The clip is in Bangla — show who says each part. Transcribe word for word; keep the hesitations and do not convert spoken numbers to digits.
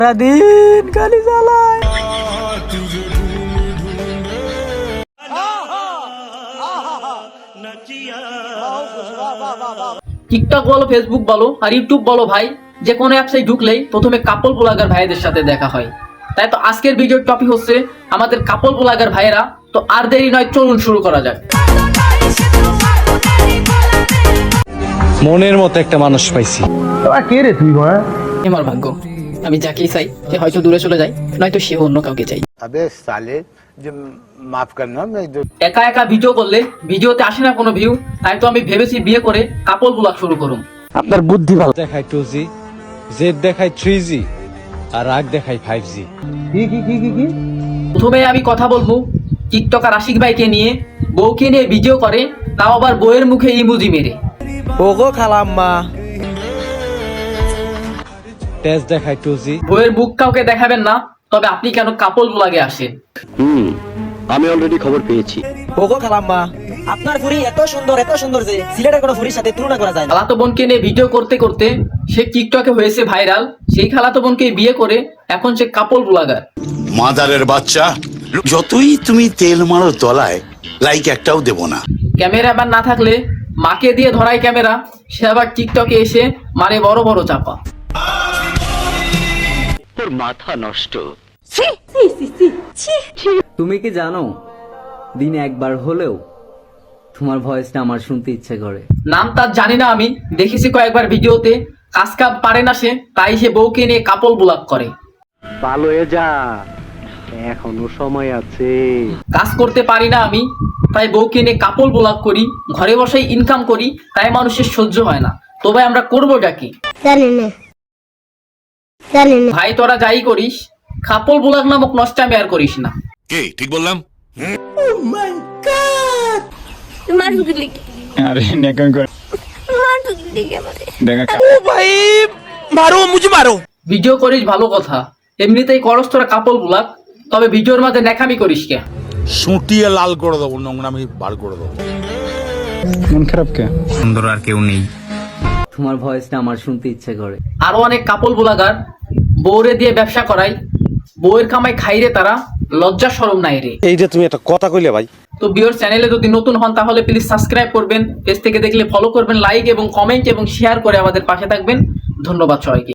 Speaker 1: দিন গালি চালায়। টিকটক বলো, ফেসবুক বলো আর ইউটিউব বলো ভাই, যে কোনো অ্যাপসে ঢুকলেই প্রথমে কাপল ব্লগার ভাইদের সাথে দেখা হয়। তাই তো আজকের ভিডিওর টপিক হচ্ছে আমাদের কাপল ব্লগার ভাইয়েরা। তো আর দেরি নয়, চলুন শুরু করা যাক।
Speaker 2: মনের মতো একটা মানুষ পাইছি।
Speaker 1: কে রে তুই?
Speaker 3: আমার ভাগ্য, আমি যাকেই চাই সে হয়তো দূরে চলে যায়, নয়তো সে অন্য কাউকে চাই।
Speaker 4: अबे साले जो माफ करना मैं जो
Speaker 3: একা একা ভিডিও করলে ভিডিওতে আসে না কোনো ভিউ, তাই তো আমি ভেবেছি বিয়ে করে কাপল ব্লগ শুরু করুন।
Speaker 2: আপনার বুদ্ধি ভালো। দেখায় টু জি, জেড দেখায় থ্রি জি, আর রাগ দেখায় ফাইভ জি।
Speaker 1: কি কি কি কি কি?
Speaker 3: প্রথমে আমি কথা বলবো টিকটকার আশিক ভাইকে নিয়ে। বউকে নিয়ে ভিডিও করে, তাও আবার বউয়ের মুখে ইমোজি মেরে।
Speaker 1: ওগো খালাম্মা।
Speaker 2: টেস্ট দেখায় টু জি।
Speaker 3: বউয়ের মুখ কাউকে দেখাবেন না, তবে আপনি কেন কাপল ব্লগে আসেন?
Speaker 5: হুম আমি অলরেডি খবর পেয়েছি।
Speaker 6: ওগো খালাম্মা, আপনার ফুরি এত সুন্দর এত সুন্দর যে সিলেটের কোনো ফুরির সাথে তুলনা করা যায় না।
Speaker 3: খালাতো বোনকে নিয়ে ভিডিও করতে করতে সে টিকটকে হয়েছে ভাইরাল। সেই খালাতো বোনকে বিয়ে করে এখন সে কাপল ব্লগার।
Speaker 7: মাদারের বাচ্চা, যতই তুমি তেল মারো তলায়, লাইক একটাও দেব না।
Speaker 3: ক্যামেরাম্যান না থাকলে মাকে দিয়ে ধরায় ক্যামেরা, সে আবার টিকটকে এসে মারে বড় বড় চাপা।
Speaker 5: তোর মাথা নষ্ট।
Speaker 8: তুমি কি জানো দিনে একবার হলেও তোমার ভয়েসটা আমার শুনতে ইচ্ছে করে?
Speaker 3: নাম তার জানি না, আমি দেখেছি কয়েকবার ভিডিওতে। কাজ কাপ পারে না সে, তাই সে বউকে নিয়ে কাপল ব্লগ করে।
Speaker 5: ভালো হয়ে যা, এখনো সময় আছে।
Speaker 3: কাজ করতে পারি না আমি, তাই বউকে নিয়ে কাপল ব্লগ করি। ঘরে বসেই ইনকাম করি, তাই মানুষের সহ্য হয় না। তবে আমরা করবোটা কি? ভাই তোরা যাই করিস, কাপল ব্লগ নামক নষ্টামি আর করিস না।
Speaker 7: কে ঠিক বললাম?
Speaker 3: ভিডিও করিস ভালো কথা, এমনিতেই করস তোরা কাপল ব্লগ, তবে ভিডিওর মাঝে নেকামি করিস কে?
Speaker 7: সুটিয়ে লাল করে দেবো, নোংরামি বার করে দেবো।
Speaker 2: মন খারাপ কে?
Speaker 7: সুন্দর আর কেউ নেই।
Speaker 8: তোমার ভয়েসটা আমার শুনতে ইচ্ছে করে।
Speaker 3: আরো অনেক কাপল ব্লগার বউরে দিয়ে ব্যবসা করায়, বউয়ের কামাই খাইরে তারা, লজ্জা শরম নাই রে।
Speaker 2: এই যে তুমি একটা কথা কইলে ভাই।
Speaker 3: তো ভিউয়ার চ্যানেলে যদি নতুন হন তাহলে প্লিজ সাবস্ক্রাইব করবেন, পেজ থেকে দেখলে ফলো করবেন, লাইক এবং কমেন্ট এবং শেয়ার করে আমাদের পাশে থাকবেন। ধন্যবাদ সবাইকে।